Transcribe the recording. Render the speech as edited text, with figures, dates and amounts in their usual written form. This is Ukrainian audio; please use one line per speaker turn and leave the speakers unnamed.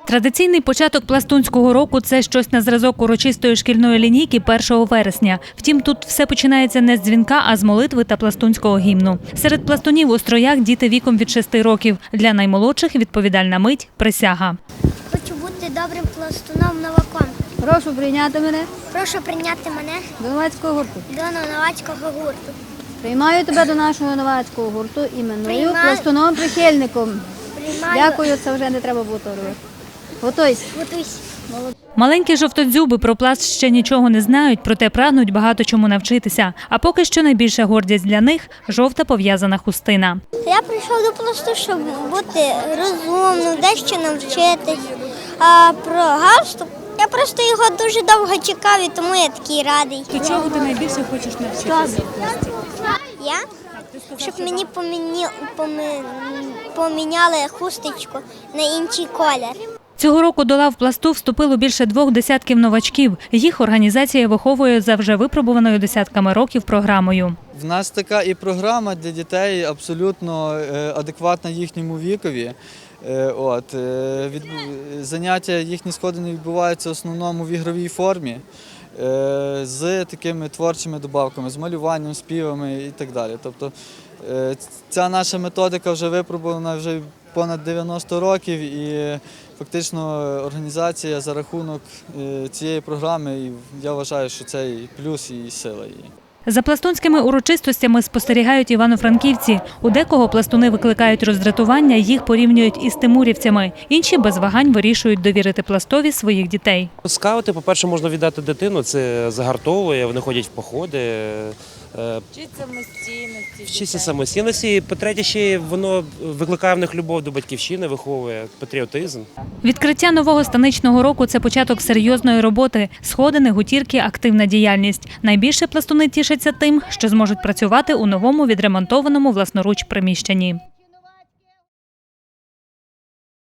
Традиційний початок пластунського року – це щось на зразок урочистої шкільної лінійки 1 вересня. Втім, тут все починається не з дзвінка, а з молитви та пластунського гімну. Серед пластунів у строях діти віком від 6 років. Для наймолодших відповідальна мить – присяга.
Хочу бути добрим пластуном новаком.
Прошу прийняти мене
Прошу прийняти мене
до новацького гурту.
до новацького гурту.
Приймаю тебе до нашого новацького гурту іменую
Приймаю.
пластуном-прихильником.
Приймаю.
Дякую, це вже не треба було робити. Готуйся.
Готуйся.
Маленькі жовтодзюби про пласт ще нічого не знають, проте прагнуть багато чому навчитися. А поки що найбільша гордість для них – жовта пов'язана хустина.
Я прийшов до пласту, щоб бути розумним, дещо навчитись. А про галстук я просто його дуже довго чекав, і тому я такий радий.
До чого ти найбільше хочеш навчитися?
Я? Щоб мені поміняли хусточку на інший колір.
Цього року до лав пласту вступило більше 2 десятків новачків. Їх організація виховує за вже випробуваною десятками років програмою.
В нас така і програма для дітей абсолютно адекватна їхньому вікові. Заняття їхні сходини відбуваються в основному в ігровій формі з такими творчими добавками, з малюванням, співами і так далі. Тобто ця наша методика вже випробувана вже понад 90 років і фактично організація за рахунок цієї програми, і я вважаю, що це і плюс, і сила її.
За пластунськими урочистостями спостерігають івано-франківці. У декого пластуни викликають роздратування, їх порівнюють із тимурівцями. Інші без вагань вирішують довірити пластові своїх дітей.
Скаути, по-перше, можна віддати дитину, це загартовує, вони ходять в походи. Вчиться самостійності. По-третє, ще воно викликає в них любов до батьківщини, виховує патріотизм.
Відкриття нового станичного року – це початок серйозної роботи. Сходини, гутірки, активна діяльність. Найбільше пластуни тішаться тим, що зможуть працювати у новому відремонтованому власноруч приміщенні.